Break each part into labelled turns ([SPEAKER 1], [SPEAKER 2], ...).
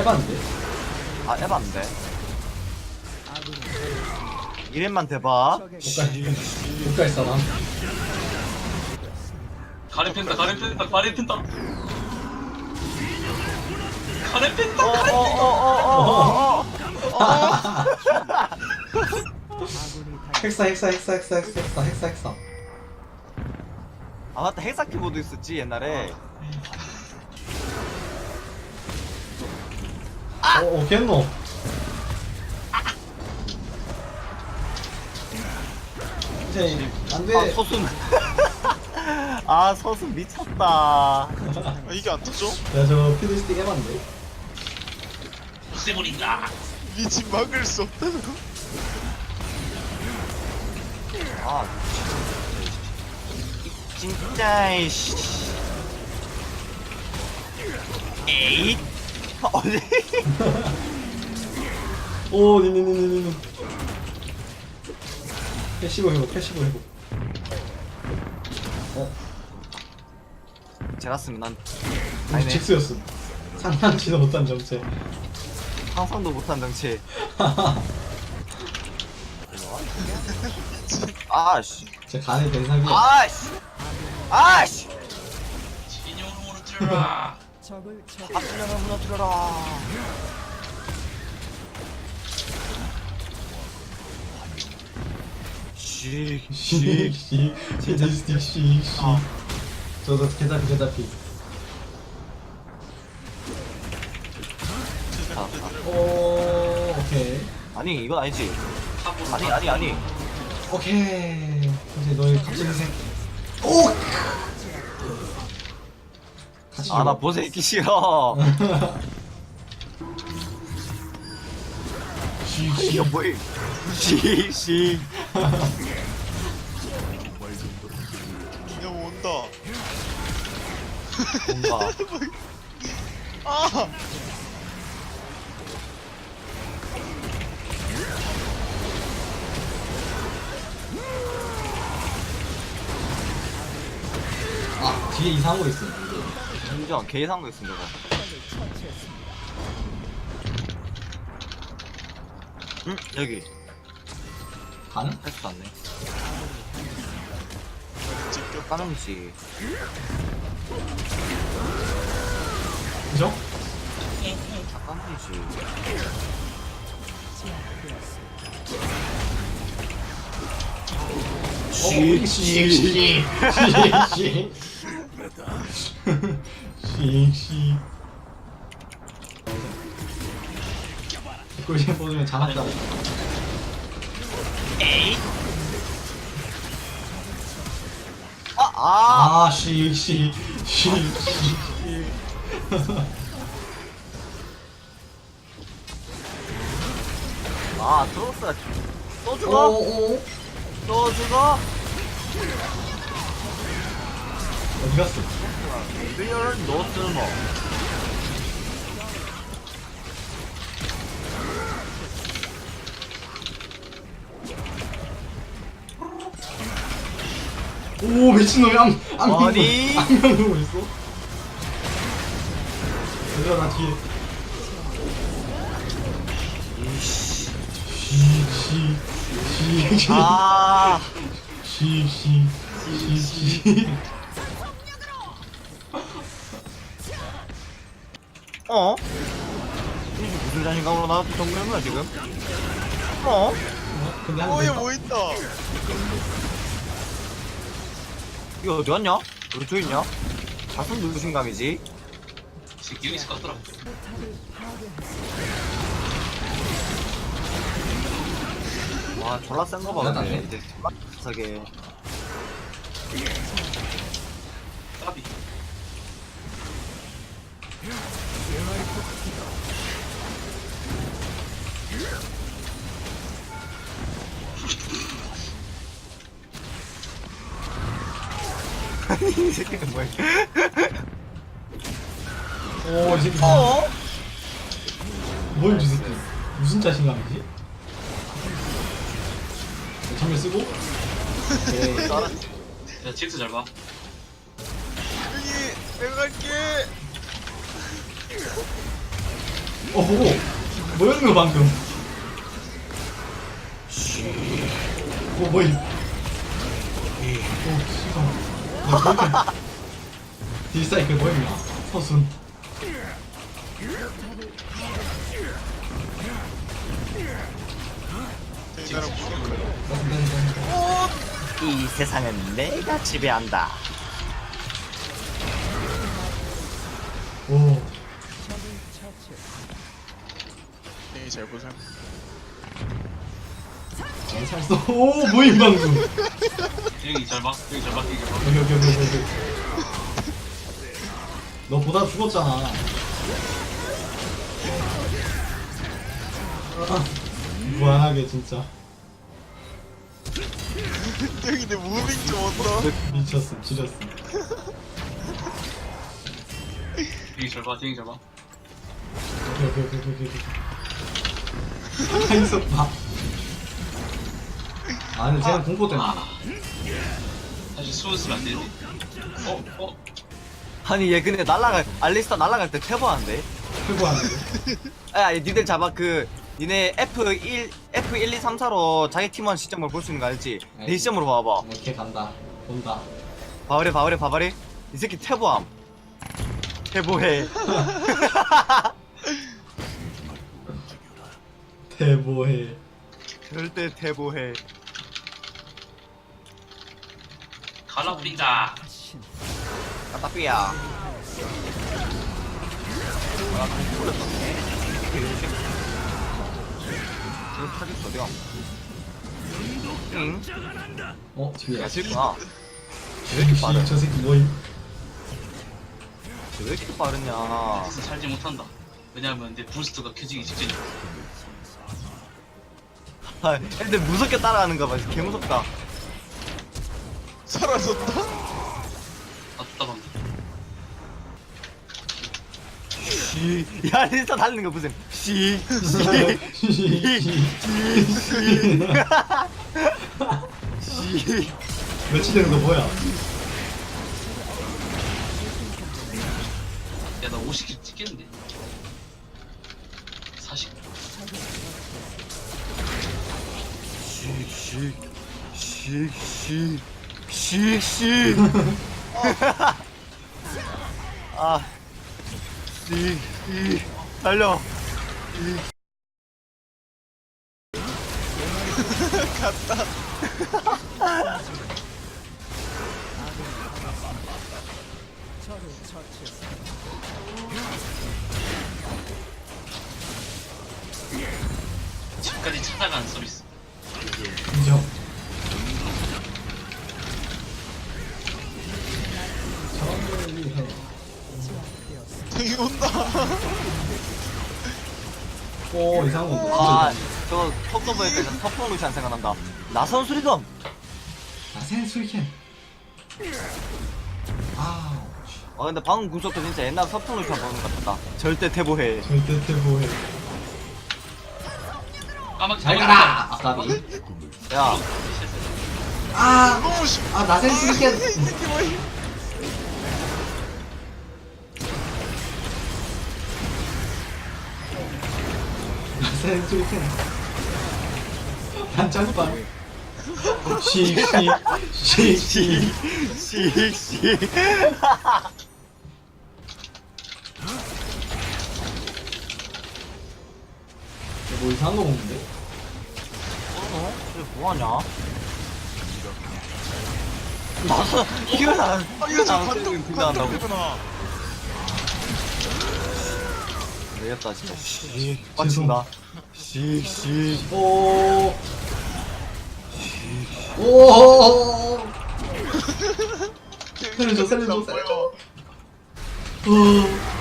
[SPEAKER 1] 에반데?
[SPEAKER 2] 아 에반데. 이름만 대봐.
[SPEAKER 1] 국가의 사람.
[SPEAKER 3] 가렌 팬다 가렌 팬다 가렌 팬다 가렌 팬다
[SPEAKER 2] 어어어어어어.
[SPEAKER 1] 헥사.
[SPEAKER 2] 아 맞다 헥사 키보드 있었지 옛날에.
[SPEAKER 1] 겠노. 이제 안돼.
[SPEAKER 2] 아 서순. 아 서순 미쳤다.
[SPEAKER 4] 아, 이게 안 터져?
[SPEAKER 1] 야 저 피드스틱 에반데.
[SPEAKER 3] 없애버린다
[SPEAKER 4] 미친 막을 수 없다고?
[SPEAKER 2] 아 진짜 이씨. 에잇. 어디?
[SPEAKER 1] 오 니니니니니. 패시브 회복.
[SPEAKER 2] 제가 쓰면 난
[SPEAKER 1] 아니 직수였음. 상상치도 못한 정체.
[SPEAKER 2] 상상도 못한 정치. 아씨.
[SPEAKER 1] 제 간의 대상이야.
[SPEAKER 2] 아씨. 아씨.
[SPEAKER 3] 진영으로 무너뜨려라
[SPEAKER 2] 앞면을 무너뜨려라.
[SPEAKER 1] 씩 피드스틱 씩. 저도 개잡히. 오 오케이.
[SPEAKER 2] 아니 이건 아니지.
[SPEAKER 3] 탑으로
[SPEAKER 2] 아니.
[SPEAKER 1] 오케이. 이제 너의 갑자기 생. 오. 같이
[SPEAKER 2] 아 나
[SPEAKER 1] 죽어.
[SPEAKER 2] 보세 있기 싫어. 이거 뭐야? 시.
[SPEAKER 4] 그냥 온다.
[SPEAKER 2] 뭔가.
[SPEAKER 4] 아!
[SPEAKER 1] 아 뒤에 이상한 거 있어.
[SPEAKER 2] 인정. 개이상한 거 있습니다. 응 여기
[SPEAKER 1] 가능?
[SPEAKER 2] 할수 않네.
[SPEAKER 4] 찍겨.
[SPEAKER 2] 까능씨.
[SPEAKER 1] 그죠?
[SPEAKER 2] 까능이지.
[SPEAKER 1] 씩. 꿀잼 뽑으면 잡았다.
[SPEAKER 2] 아.
[SPEAKER 1] 씩.
[SPEAKER 2] 아 트로스가 또 죽어?
[SPEAKER 1] 오.
[SPEAKER 2] 또 죽어?
[SPEAKER 1] 어디 갔어?
[SPEAKER 2] 리얼 노스모.
[SPEAKER 1] 오 미친놈이
[SPEAKER 2] 어디?
[SPEAKER 1] 안경 누고 있어? 얘들아 나 뒤에.
[SPEAKER 2] 이씨.
[SPEAKER 1] 씩.
[SPEAKER 2] 아.
[SPEAKER 1] 씩.
[SPEAKER 2] 어? 이게 무슨 자신감으로 나한테 정리한 거야 지금? 어?
[SPEAKER 1] 근데
[SPEAKER 4] 어, 얘 뭐 있다.
[SPEAKER 2] 이거 어디 갔냐? 우리 저 있냐? 자손 누구신 감이지?
[SPEAKER 3] 새끼 여기 있을 것 같더라
[SPEAKER 2] 와 졸라 센 거 봐. 근데
[SPEAKER 1] 대단하네.
[SPEAKER 2] 이제 졸라 비싸게.
[SPEAKER 3] 까비
[SPEAKER 2] 이 새끼는 뭐야?
[SPEAKER 1] 오, 이 새끼.
[SPEAKER 2] 어?
[SPEAKER 1] 뭘 이 새끼. 무슨 자신감이지? 전면 쓰고. 오케이.
[SPEAKER 3] 야 잭스 잘봐
[SPEAKER 4] 여기, 내가 갈게.
[SPEAKER 1] 보고 뭐였는 거 방금? 뭐임? 씨발. 딜사이클 뭐임? 서순.
[SPEAKER 4] 대가랑 무슨
[SPEAKER 2] 이 세상은 내가 지배한다.
[SPEAKER 1] 오.
[SPEAKER 4] 네, 잘 보상.
[SPEAKER 1] 잘 써. 오 뭐임 방금?
[SPEAKER 3] 여기 잘 봐. 여기 잘 봐. 여기 잘 봐.
[SPEAKER 1] 여기. 너 보다 죽었잖아. 무한하게 진짜
[SPEAKER 4] 형이 내 무빙 좀 얻어.
[SPEAKER 1] 미쳤음 지렸음.
[SPEAKER 3] 여기 잘 봐. 여기 잘 봐.
[SPEAKER 1] 오케이. 한석 봐. 아 근데 쟤는 공포 때문에.
[SPEAKER 3] 사실 수은 쓰면 안 되는데.
[SPEAKER 2] 아니 얘 근데 알리스타 날라갈 때 퇴보하는데?
[SPEAKER 1] 최고하는데.
[SPEAKER 2] 야 니들 잡아 니네 F1, 2, 3, 4로 자기 팀원 시점을 볼 수 있는 거 알지? 내 시점으로 봐봐.
[SPEAKER 1] 이렇게 간다. 본다.
[SPEAKER 2] 봐버려. 이 새끼 퇴보함. 퇴보해.
[SPEAKER 1] 대보해.
[SPEAKER 2] 절대 퇴보해.
[SPEAKER 3] 갈라버린다.
[SPEAKER 2] 까따삐야. 아, 공 풀렸었네. 저 타겟 어디가? 응?
[SPEAKER 1] 뒤에.
[SPEAKER 2] 야, 질구나.
[SPEAKER 1] 왜 이렇게 빠르? 저 새끼 뭐임?
[SPEAKER 2] 왜 이렇게 빠르냐.
[SPEAKER 3] 그래서 살지 못한다. 왜냐면 내 부스트가 켜지기 직전이야.
[SPEAKER 2] 아, 애들 무섭게 따라가는 거 봐. 개 무섭다.
[SPEAKER 4] 사라졌다?
[SPEAKER 3] 아, 답답한데.
[SPEAKER 2] 야, 리스타 달리는 거 보세요. 씨.
[SPEAKER 1] 며칠 되는 거 뭐야?
[SPEAKER 3] 야, 나 50킬 찍겠는데. 40.
[SPEAKER 2] 아, 달려.
[SPEAKER 3] 집까지 찾아가는 서비스.
[SPEAKER 1] 인정.
[SPEAKER 4] 형이 온다.
[SPEAKER 1] 오 이상한 거
[SPEAKER 2] 아,
[SPEAKER 1] 온다.
[SPEAKER 2] 저 톱도 보니까 서풍 루시안 생각난다. 나선 수리검.
[SPEAKER 1] 나센 술캔. 아
[SPEAKER 2] 근데 방금 구속도 진짜 옛날 서풍 루시안 보는 것 같다. 절대 퇴보해.
[SPEAKER 1] 절대 대보해.
[SPEAKER 3] 까마귀
[SPEAKER 1] 잘 가라. 아까비.
[SPEAKER 2] 야,
[SPEAKER 4] 너무 쉽.
[SPEAKER 1] 나센 술캔.
[SPEAKER 4] 이 새끼 뭐야?
[SPEAKER 1] 나센 술캔. 단짝방. 씩. 뭐 이상한 거 먹는데?
[SPEAKER 2] 이게 뭐하냐? 나선, 이거 나,
[SPEAKER 4] 이거 저
[SPEAKER 2] 등장한다고?
[SPEAKER 4] 관통이구나.
[SPEAKER 2] 되겠다, 진짜. 빡친다.
[SPEAKER 1] 오. 오. 살려줘. 오.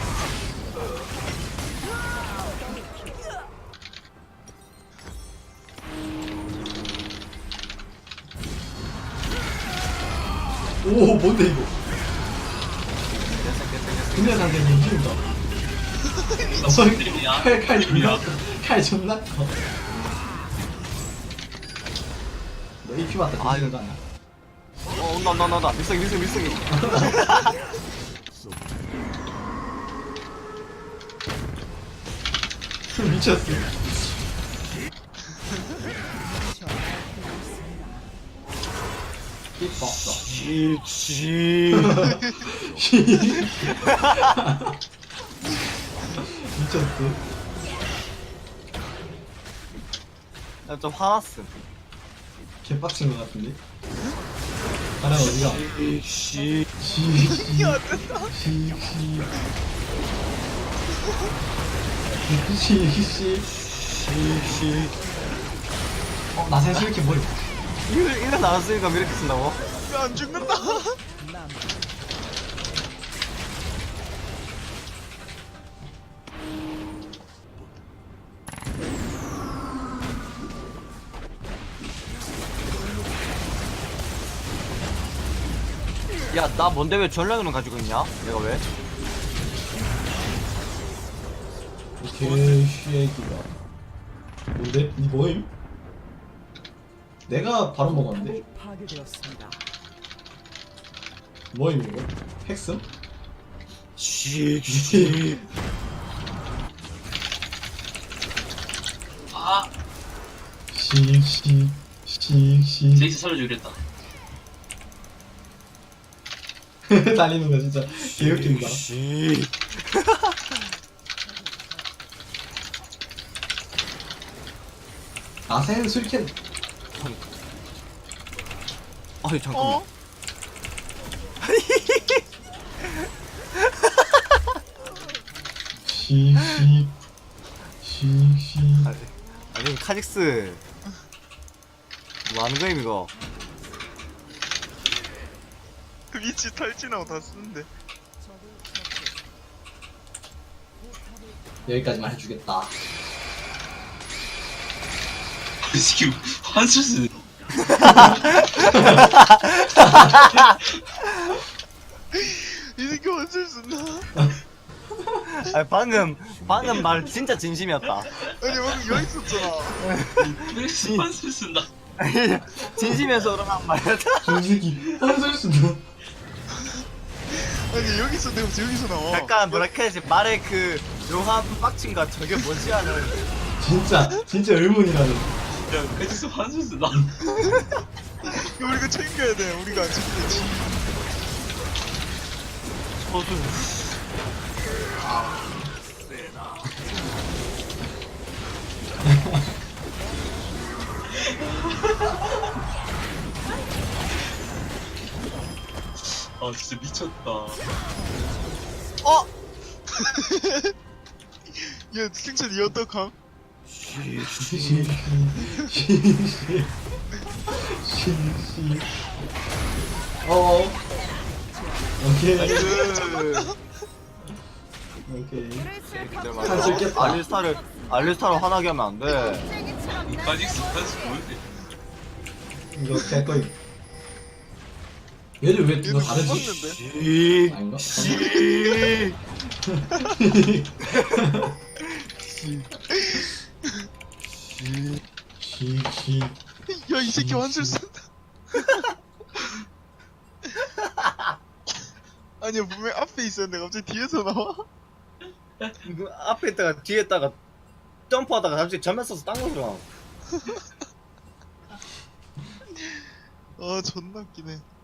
[SPEAKER 1] 오 뭔데 이거? 근데 상대 힘들다.
[SPEAKER 3] 무슨 드림이야?
[SPEAKER 1] 칼 존나 커. 너 EP 맞다 뒤지는 거 아니야?
[SPEAKER 2] 온다. 밀성이.
[SPEAKER 1] 미쳤어. 이뻐.
[SPEAKER 2] 씨.
[SPEAKER 1] 미쳤어.
[SPEAKER 2] 나좀 화났음.
[SPEAKER 1] 개빡친 것 같은데? 가라 어디가?
[SPEAKER 2] 씨.
[SPEAKER 4] 이게 안 된다.
[SPEAKER 1] 나센 이렇게 머리.
[SPEAKER 2] 이거 나왔으니까 왜 이렇게 쓴다고?
[SPEAKER 4] 이거 안 죽는다.
[SPEAKER 2] 야, 나 뭔데 왜 전략을 가지고 있냐? 내가 왜?
[SPEAKER 1] 개쉬애기가. 뭔데? 니 뭐임? 내가 바로 먹었는데?
[SPEAKER 5] 파괴되었습니다.
[SPEAKER 1] 뭐임 이거? 핵슴?
[SPEAKER 2] 씨.
[SPEAKER 3] 아
[SPEAKER 1] 시.
[SPEAKER 3] 제이스 살려줘 이랬다.
[SPEAKER 1] 달리는 거 진짜 개웃긴다.
[SPEAKER 2] 씨.
[SPEAKER 1] 나센 술캔.
[SPEAKER 2] 아니 잠깐만.
[SPEAKER 4] 어?
[SPEAKER 1] 시.
[SPEAKER 2] 아니 카직스. 뭐 하는 거임 이거?
[SPEAKER 4] 위치 탈진하고 다 쓰는데.
[SPEAKER 1] 여기까지만 해주겠다.
[SPEAKER 3] 지금 환수스.
[SPEAKER 4] 이 새끼 완전 쓴다.
[SPEAKER 2] 아니 방금 말 진짜 진심이었다.
[SPEAKER 4] 아니 방금 여기 있었잖아.
[SPEAKER 3] 왜 환수 쓴다.
[SPEAKER 2] 진심에서 그러는 말이었다.
[SPEAKER 1] 저 새끼 한술 수도.
[SPEAKER 4] 아니 여기서 내가 여기서 나와.
[SPEAKER 2] 약간 뭐랄까 해야지 말의 그 묘한 빡침과 저게 뭐지 하는.
[SPEAKER 1] 진짜 의문이라는.
[SPEAKER 3] 야 그래서 환수 쓴다.
[SPEAKER 4] 이거 우리가 챙겨야 돼. 우리가 안 챙기면 지.
[SPEAKER 2] 저도
[SPEAKER 3] 아 진짜 미쳤다.
[SPEAKER 2] 어?
[SPEAKER 4] 야 승찬 이 어떡함?
[SPEAKER 1] 시. 오케이. 오케이. 한술 깼다.
[SPEAKER 2] 알리스타를 화나게 하면 안 돼.
[SPEAKER 3] 카직스 환수 뭔데?
[SPEAKER 1] 이거 개꺼이. 얘들 왜
[SPEAKER 4] 얘는
[SPEAKER 1] 너 다르지?
[SPEAKER 4] 죽었는데.
[SPEAKER 1] 아닌가? 시.
[SPEAKER 4] 야 이 새끼 완전 쓴다. 아니야 분명 앞에 있었는데 갑자기 뒤에서 나와.
[SPEAKER 2] 이거 앞에 있다가 뒤에 있다가 점프하다가 갑자기 전면 써서 딴 거더라.
[SPEAKER 4] 아 존나 웃기네.